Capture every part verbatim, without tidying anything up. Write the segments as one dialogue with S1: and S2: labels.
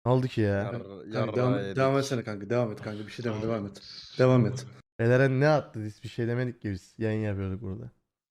S1: Ne oldu ki ya?
S2: Yar,
S3: Kanka
S2: yarrağı
S3: devam,
S2: yedik.
S3: devam etsene kanka. Devam et kanka. Bir şey deme. Devam et. Devam et.
S1: Eren ne attı? Biz bir şey demedik ki biz. Yayın yapıyorduk burada.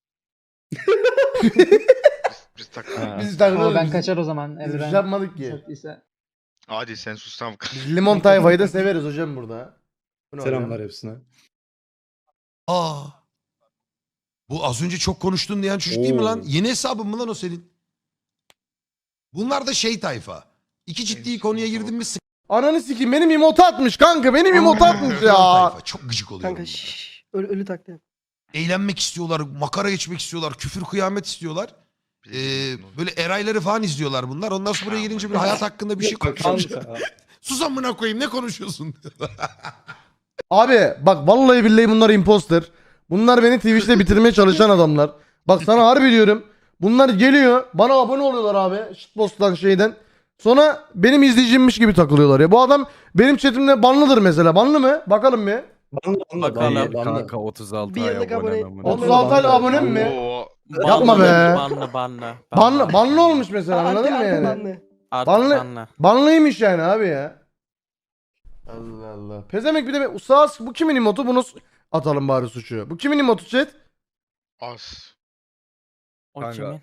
S4: Biz tak.
S1: Biz
S5: Ama
S1: takılıyoruz.
S5: ben
S1: biz-
S5: kaçar o zaman.
S1: Biz bir şey
S5: Evren
S1: yapmadık ki.
S5: sattıysa.
S4: Hadi sen sus tamam.
S1: Biz limon tayfayı da severiz hocam burada. Bu ne
S3: Selamlar
S1: hocam?
S3: hepsine.
S6: Aa. Bu az önce çok konuştun diyen çocuk değil mi
S3: Oo.
S6: lan? Yeni hesabın mı lan o senin? Bunlar da şey tayfa. İki ciddi
S4: Evet,
S6: konuya
S4: tamam.
S6: girdin mi sık
S1: Ananı sikeyim benim emote atmış kanka. Benim emote atmış ya.
S6: tayfa. Çok gıcık oluyor.
S7: Kanka
S6: bunlara.
S7: şşş. Ölü, ölü taklidi.
S6: Eğlenmek istiyorlar, makara geçmek istiyorlar, küfür kıyamet istiyorlar. Ee, böyle erayları falan izliyorlar bunlar. Ondan sonra buraya gelince bir hayat hakkında bir şey konuşuyor. Sus amına koyayım ne konuşuyorsun?
S1: Abi bak vallahi billahi bunlar imposter. Bunlar beni Twitch'te bitirmeye çalışan adamlar. Bak sana harbi diyorum. Bunlar geliyor bana abone oluyorlar abi. Shitpost'tan şeyden. Sonra benim izleyicimmiş gibi takılıyorlar ya. Bu adam benim chatimde banlıdır mesela. Banlı mı? Bakalım bir.
S3: Banla banla banla. banla.
S2: Kanka otuz altı
S7: Bir
S2: ay
S7: yıllık
S2: abonem
S7: abone-
S2: amına.
S1: otuz altı aylık abonem mi?
S4: Oo.
S1: Yapma be.
S8: Banlı banlı.
S1: Banlı, banlı olmuş mesela
S7: Anti-
S1: anladın mı
S7: anti
S1: yani?
S7: banlı.
S8: Artık
S1: Banlı-
S8: banlı.
S1: Banlıymış yani abi ya. Allah Allah. Pezemek bir de sağ bu kimin emotu bunu s- atalım bari suçu. Bu kimin emotu chat?
S4: Az.
S8: O
S2: Kanka.
S8: kimin?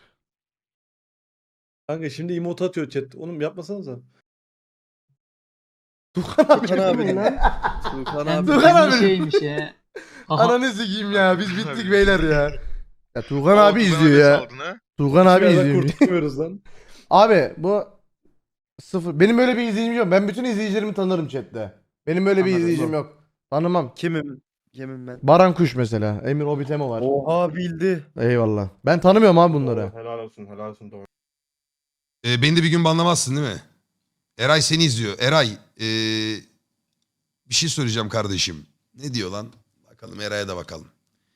S3: Kanka şimdi emote atıyor chat. Oğlum yapmasanıza.
S1: Tukan abi.
S7: Tukan abi lan.
S2: Tuğkan
S5: Yani
S2: abi.
S1: Dur lan
S5: bir
S1: abi.
S5: şeymiş ya. Aha.
S1: Ananı sikeyim ya. Biz bittik beyler ya. Ya Tuğkan
S4: Oo,
S1: abi
S4: Tugan
S1: izliyor ya.
S4: saldın ha.
S1: Tuğkan abi
S3: Hiçbir yerden
S1: izliyor.
S3: kurtulmuyoruz lan.
S1: Abi bu sıfır. Benim böyle bir izleyicim yok. Ben bütün izleyicilerimi tanırım chatte. Benim böyle bir
S3: Anladım.
S1: izleyicim yok. Tanımam.
S2: Kimim? Kimim ben?
S1: Baran Kuş mesela. Emir Obitemo var.
S2: Oha bildi.
S1: Eyvallah. Ben tanımıyorum abi bunları.
S9: Helal olsun, helal olsun doğru.
S6: Ee, beni de bir gün banlamazsın değil mi? Eray seni izliyor. Eray ee, bir şey söyleyeceğim kardeşim. Ne diyor lan? Bakalım Eray'a da bakalım.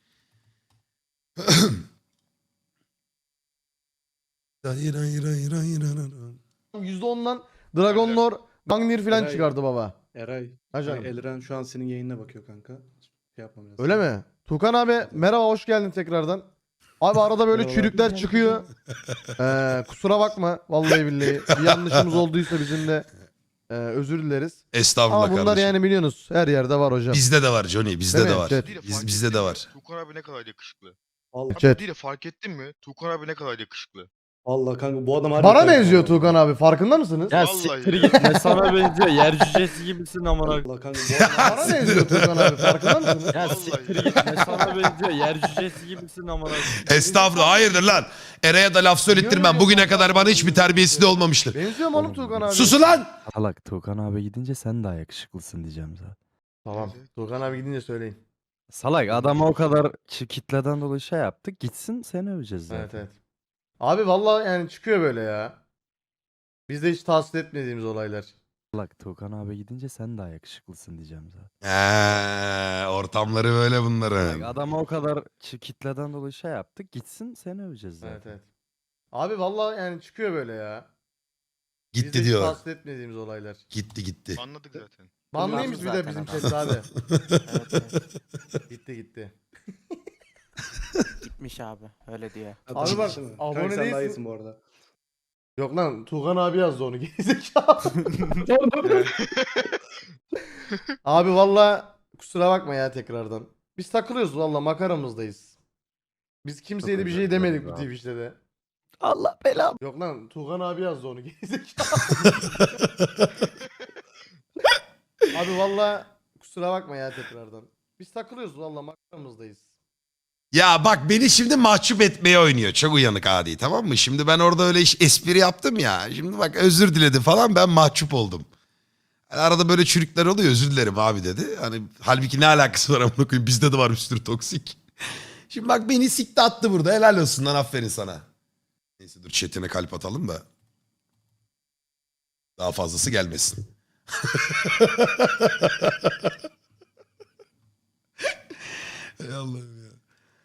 S1: yüzde ondan Dragon Lore, Gangnir falan
S3: Eray.
S1: çıkardı baba.
S3: Eray.
S1: Ha canım.
S3: Eray, Elren şu an senin yayınına bakıyor kanka. Şey yapmam lazım.
S1: Öyle mi? Tukan abi merhaba hoş geldin tekrardan. Abi arada böyle
S3: Merhabalar.
S1: çürükler çıkıyor. Ee, kusura bakma vallahi billahi. Bir yanlışımız olduysa bizim de e, özür dileriz.
S6: Estağfurullah
S1: Ama bunlar
S6: kardeşim.
S1: yani biliyorsunuz her yerde var hocam.
S6: Bizde de var Johnny, bizde
S1: Değil
S6: de
S1: mi?
S6: var.
S1: Evet.
S4: Değil de
S6: Biz,
S4: fark
S6: bizde
S4: ettin
S6: de
S4: mi?
S6: var.
S4: Tukan abi ne kadar yakışıklı.
S3: Vallahi,
S1: Chat.
S4: Değil de fark ettin mi? Tukan abi ne kadar yakışıklı.
S3: vallahi kanka bu adam harbi
S1: Bana
S3: kanka.
S1: benziyor Tukan abi farkında mısınız?
S2: Ya
S4: Vallahi
S2: siktir
S4: ya.
S2: git ne sana benziyor. Yer cücesi gibisin amına.
S3: Vallahi kanka bu adam
S1: Bana benziyor Tukan abi farkında mısınız?
S2: Ya
S4: Vallahi
S2: siktir
S4: ya.
S2: git ne sana benziyor. Yer cücesi gibisin amına.
S6: Estağfurullah hayırdır lan. Eray'a da laf söylettirmem. Bugüne kadar bana hiçbir terbiyesi de olmamıştır.
S1: Benziyor mu oğlum Tukan abi?
S6: Susun lan!
S10: Salak Tuğkan abi gidince sen daha yakışıklısın diyeceğim zaten.
S1: Tamam. Tukan abi gidince söyleyin.
S10: Salak adama o kadar ki- kitleden dolayı şey yaptık. Gitsin seni öveceğiz zaten.
S1: Evet evet. Abi vallahi yani çıkıyor böyle ya. Biz de hiç tahsil etmediğimiz olaylar.
S10: Salak Tuğkan abi gidince sen daha yakışıklısın diyeceğim zaten.
S6: Eee, ortamları böyle
S10: Salak
S6: bunların.
S10: adama o kadar ki- kitleden dolayı şey yaptık. Gitsin seni öveceğiz zaten.
S1: Evet evet. Abi vallahi yani çıkıyor böyle ya. Biz de
S6: Gitti
S1: hiç
S6: diyor.
S1: tahsil etmediğimiz olaylar.
S6: Gitti gitti.
S4: Anladık zaten.
S1: Banlıymış bir de
S8: zaten
S1: bizim
S8: adam.
S1: chat abi.
S8: Evet, evet.
S1: Gitti gitti.
S8: Gitmiş abi. Öyle diyor.
S1: Abi bak,
S3: Değil mi?
S1: abone
S3: Kanka sen daha
S1: değilsin.
S3: iyisin bu arada.
S1: Yok lan Tuğkan abi yazdı onu gerizekalı. Abi valla kusura bakma ya tekrardan. Biz takılıyoruz valla makaramızdayız. Biz kimseye de bir şey
S10: özür
S1: demedik bu
S10: dilerim abi.
S1: Twitch'te de.
S10: Allah belanı.
S1: Yok lan Tuğkan abi yazdı onu gerizekalı. Abi valla kusura bakma ya tekrardan. Biz takılıyoruz valla makaramızdayız.
S6: Ya bak beni şimdi mahcup etmeye oynuyor. Çok uyanık adi tamam mı? Şimdi ben orada öyle iş- espri yaptım ya. Şimdi bak özür diledi falan ben mahcup oldum. Yani arada böyle çürükler oluyor özür dilerim abi dedi. Hani halbuki ne alakası var amına koyayım bizde de var bir sürü toksik. Şimdi bak beni sikti attı burada helal olsun lan aferin sana. Neyse dur chatine kalp atalım da. Daha fazlası gelmesin. Ey Allah'ım ya.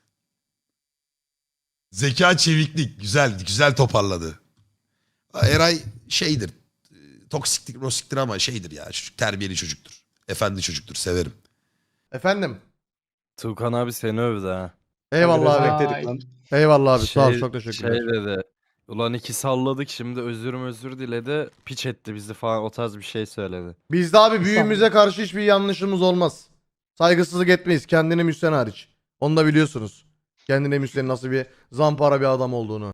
S6: Zeka çeviklik güzel güzel toparladı. Eray şeydir. e, Toksiklik rosiktir ama şeydir ya çocuk terbiyeli çocuktur. Efendi çocuktur severim.
S1: Efendim.
S10: Tuğkan abi seni övdü ha.
S1: Eyvallah
S3: Kanka
S1: abi.
S3: respect dedik lan.
S1: Eyvallah abi sağ ol
S10: Şey-
S1: çok teşekkürler.
S10: Şey dedi. Ulan iki salladık şimdi özür özür diledi. Piç etti bizi falan o tarz bir şey söyledi.
S1: Bizde abi büyüğümüze karşı hiçbir yanlışımız olmaz. Saygısızlık etmeyiz kendine müsten hariç. Onu da biliyorsunuz. Kendine müsten nasıl bir zampara bir adam olduğunu.